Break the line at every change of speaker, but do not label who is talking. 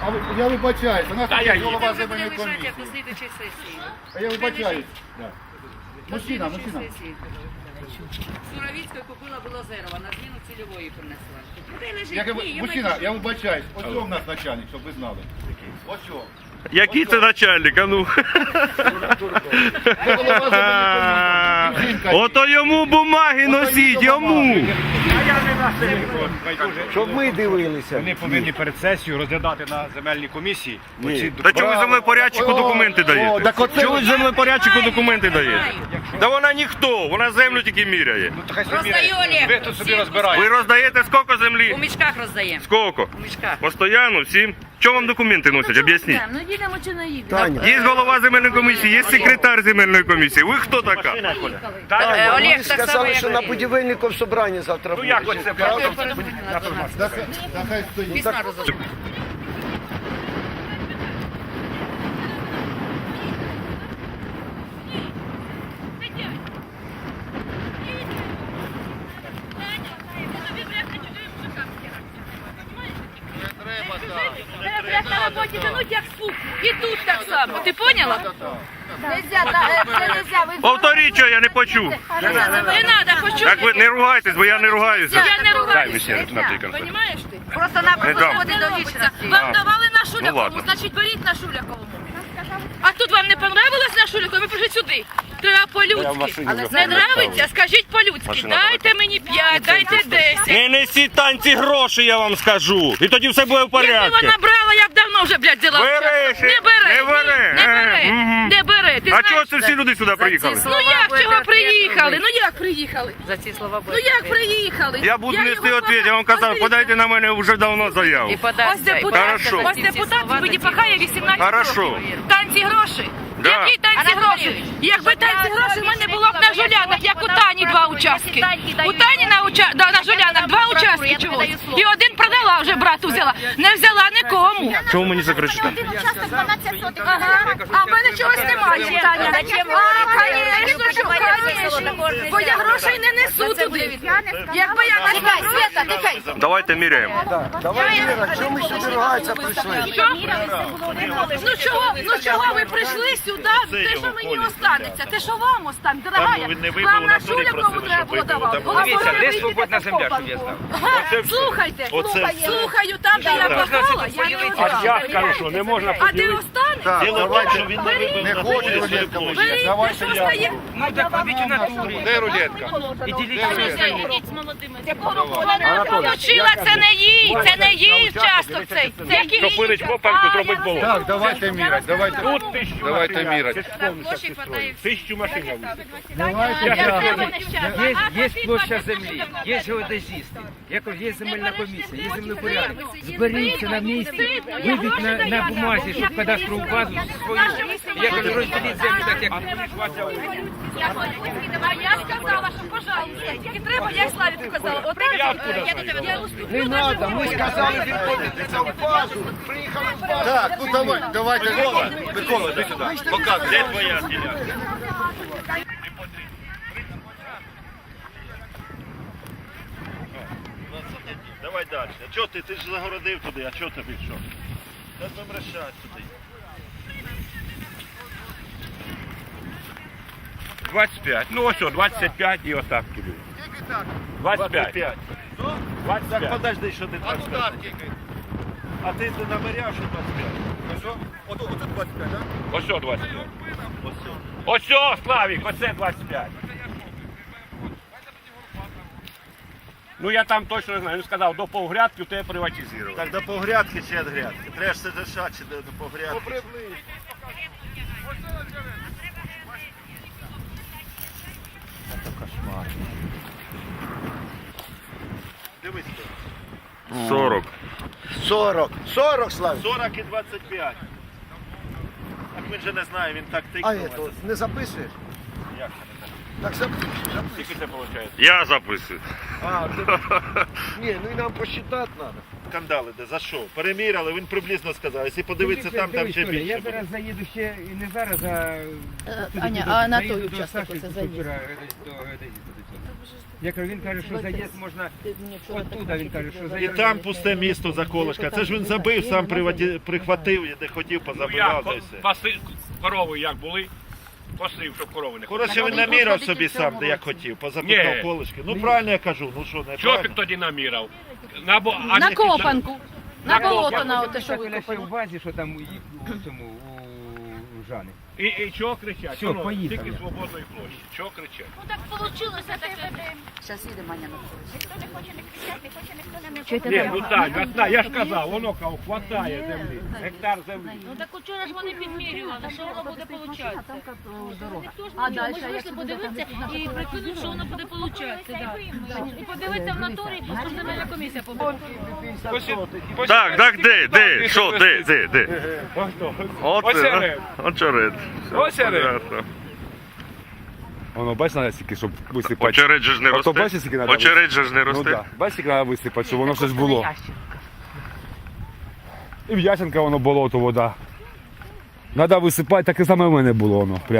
Я вибачаюсь, у нас
Та я
тут голова
Це буде
земельної
лежати
комісії.
як до слідчої сесії.
А я вибачаюсь. Да.
До
Мужчина,
слідчої
мужчина.
сесії. Суровіцької купила Білозерова, на зміну цільової принесла. Куди лежить?
Мужчина, я вибачаюсь. Ось цього в нас начальник, щоб ви знали. Ось цього.
Який це начальник, а ну?
Це голова земельної комісії. Жінка.
Ото йому бумаги носіть, йому.
Щоб ми дивилися.
Вони повинні перед сесією розглядати на земельній комісії. оці
Та чого ви землепорядчику документи даєте?
так оце-
Чого ви землепорядчику документи даєте? Та вона ніхто, вона землю тільки міряє.
Ну, то хай собі
Роздаю, Олег.
ви тут собі
Всім
розбираєте.
Ви роздаєте скільки
У
землі?
мішках роздаємо.
Скільки?
У мішках.
Постоянно, всім? Чого вам документи носять? Об'ясніть.
Ну їдемо чи не їдемо?
Таня,
Є голова земельної комісії, є секретар земельної комісії. Ви хто така?
Олег,
вони
так само,
сказали,
як
що на
Олег.
будівельників собрання завтра буде.
Як оце правда?
Да хай стоїть.
Письма роздаємо.
Як на роботі тянуть, як суп. І тут так само. Ти поняла? Це нельзя. Ви
Повторіть, що я не почув.
не треба, почути.
Так ви не ругайтесь, бо я не ругаюся.
Я не
Дай
ругаюся.
мені ще наприклад.
Понімаєш ти?
Не
Просто-напросто
дам.
сходи до лічності.
Вам давали на Шулякову,
ладно.
значить беріть на Шулякову. А тут вам не понравилось на Шулякову, ви прийшли сюди. Треба по-людськи. Не нравиться, скажіть по-людськи.
Машина
Дайте мені 5, дайте 10.
Не несіть танці гроші, я вам скажу. І тоді все буде в
Якби
порядку.
вона брала, я б давно вже, блядь, взяла.
Бери ще.
Не бере.
Не бере.
Не бере.
Мгм.
Не бере. Ти
А
знаєш
чого це всі люди сюди приїхали?
Ну як чого приїхали? Ну як приїхали?
За ці слова
Ну як приїхали?
Я буду нести
його
відповідь, я вам казав,
Ось
подайте на мене вже давно заяву.
І подай.
Ось депутат,
Хорошо.
ось депутат мені пахає 18
Хорошо.
років. Танці гроші.
Да.
Які танці гроші? Якби танці гроші в мене було б на Жулянах, як у Тані 2 участки. У Тані на Жулянах 2 участки чогось. І один продала вже, брату взяла. Не взяла нікому.
Чого мені закричите?
Участок 12 сотих. Ага. А в мене чогось немає, Таня. А, звісно, що бо я грошей не несу туди. Якби я несла Света, нехай.
Давайте міряємо.
Давай, Віра, чому ми сюди ругатися прийшли?
Ну чого ви прийшли сюди? Те, що мені останеться, те, що вам останеться, дорогая. Вам на Шулякову треба було давати.
Дивіться, де свободна земля, щоб я знав.
Слухайте, слухаю, там, де я попала, я не останусь.
кажу, що не можна
А де останеться?
Так, давайте.
Беріть,
Не хоче рулетка
беріть,
лежить.
те,
Давайте
що
я.
стає.
Ну так робіть у натурі.
Де рулетка?
І діліться.
Получила, це не їй, це не їй участок цей.
Топилить копанку, зробить болото.
Так, давайте міряти. Давайте міряти.
Площі хватає.
1000 машин.
Є площа землі, є геодезісти, є земельна комісія, є землепорядок. Зберіться на місці, вийдіть на бумазі, щоб кадастрову базу свою, як розділіть землю, так як
А я сказала, що, пожалуйста, тільки треба, я Славіку казала. Отак, я уступлю.
не треба, ми сказали відповідати за базу, приїхали в базу.
Так, ну давайте. Микола, іди сюди. Показуй.
Де твоя ділянка? Давай далі. А чого ти? Ти ж загородив туди, а чого тобі що? Та будемо рішати туди.
25. Ну ось, 25 і отак кидаю. 25. 25.
Так подожди, що ти 25. А ти наміряв, що 25?
Ото 25, так?
Ось 25. Ось, Славік, оце 25. Ну я там точно не знаю, він сказав, до повгрядки у тебе приватизували.
Так до погрядки чи від грядки? Треба ж це дишати чи до погрядки. Дивись. 40.
40, Славі.
40 і 25. Так він же не знає, він так
А
тикнув.
це, не записуєш?
Як?
Так записуй.
Скільки це виходить?
Я записую.
А, ні, ну і нам посчитати треба.
скандал іде. За що? Переміряли, він приблизно сказав. Якщо подивитися там ще
Дивись, Толя,
більше.
я зараз заїду ще, і не зараз, а...
Аня,
туди,
а на
заїду
той
до
участок
Саші
оце
Купера,
заїзд?
до геодезіста до цього. Я кажу, він каже, що заїзд можна... Оттуда він каже, що
І
заїзд...
там пусте місто за колишка. Це ж він забив, сам прихватив, і де хотів,
Ну,
позабивав,
я
та й все.
паси, корови як були, посив, щоб корови не
Коротше, він наміряв собі сам, де як хотів, позабивав
Ні.
колишки. Ну правильно я кажу, ну що, не
Чого ти
правильно?
тоді намірав?
На копанку. На болото,
копанку.
на оте, що
Толя ще в
викопано.
базі, що там у цьому, у Жани.
І чого кричать?
Все,
Воно
поїхали.
Тільки свободної площі. Чого кричать?
Ну так вийшло таке.
Зараз їде Маня на вулицю.
Ні, ну так, я ж казав, воно кого хватає землі. Гектар землі.
Ну так вчора ж вони підмірювали, що воно буде получатися.
А далі,
Ми ж вийшли подивитися і прикинув, що воно буде получатися. І подивитися в натурі, що ж земельна комісія побуде.
Так, де? Що, де?
Очерет.
Очерет.
Очерет.
Воно, бачиш, треба стільки, щоб висипати.
Очерет же ж не
А то
росте.
бачиш, скільки треба
Очерет же ж не
Ну
росте.
так, бачиш, скільки треба висипати, щоб воно щось було. І в Ясенка воно болото, вода. Треба висипати, таке саме в мене було воно.